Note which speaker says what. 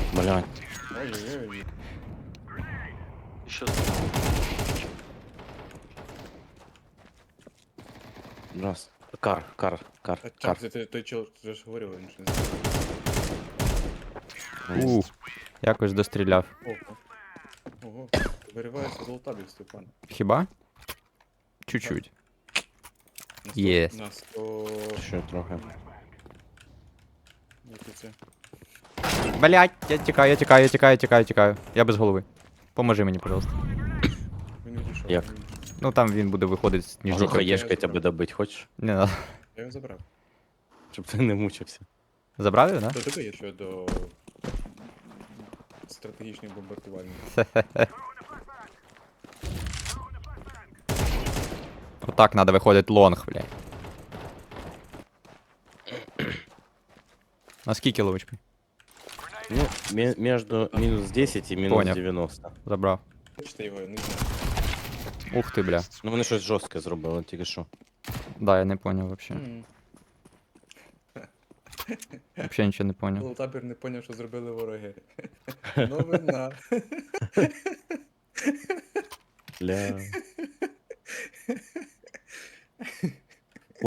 Speaker 1: Блядь.
Speaker 2: Ой-ой-ой.
Speaker 3: Еще
Speaker 1: Раз. Кар.
Speaker 2: А так, це той чел, ти ж говорив, він ж не знає.
Speaker 4: Якось достріляв.
Speaker 2: Ого. Ого. Виривається золотабік, Степан.
Speaker 4: Хіба? Чуть-чуть.
Speaker 2: На 100,
Speaker 4: Єс.
Speaker 2: На 100...
Speaker 1: Ще трохи.
Speaker 2: Як це?
Speaker 4: Блять, я тікаю. Я без голови. Поможи мені, пожалуйста.
Speaker 2: Він відійшов.
Speaker 1: Як?
Speaker 2: він відійшов.
Speaker 4: Ну там він буде виходити з
Speaker 1: Може,
Speaker 4: ніжника.
Speaker 1: хаєшкою тебе добить, хочеш?
Speaker 4: Не надо.
Speaker 2: Я його забрав.
Speaker 1: Щоб ти не мучився.
Speaker 4: Забрав його, да?
Speaker 2: До тебе є що до... стратегічних бомбардувальників.
Speaker 4: Отак надо виходить лонг, блядь. На скільки ловочки?
Speaker 1: Ну, между минус 10 и минус
Speaker 4: Понял.
Speaker 1: 90.
Speaker 4: Забрав.
Speaker 2: Хочете його, я не знаю.
Speaker 4: Ух ти, бля.
Speaker 1: Ну вони щось жорстке зробили, тільки що.
Speaker 4: Да, я не поняв вообще. Вообще нічого не поняв.
Speaker 2: Золотабір не поняв, що зробили вороги. Новина.
Speaker 1: Бля.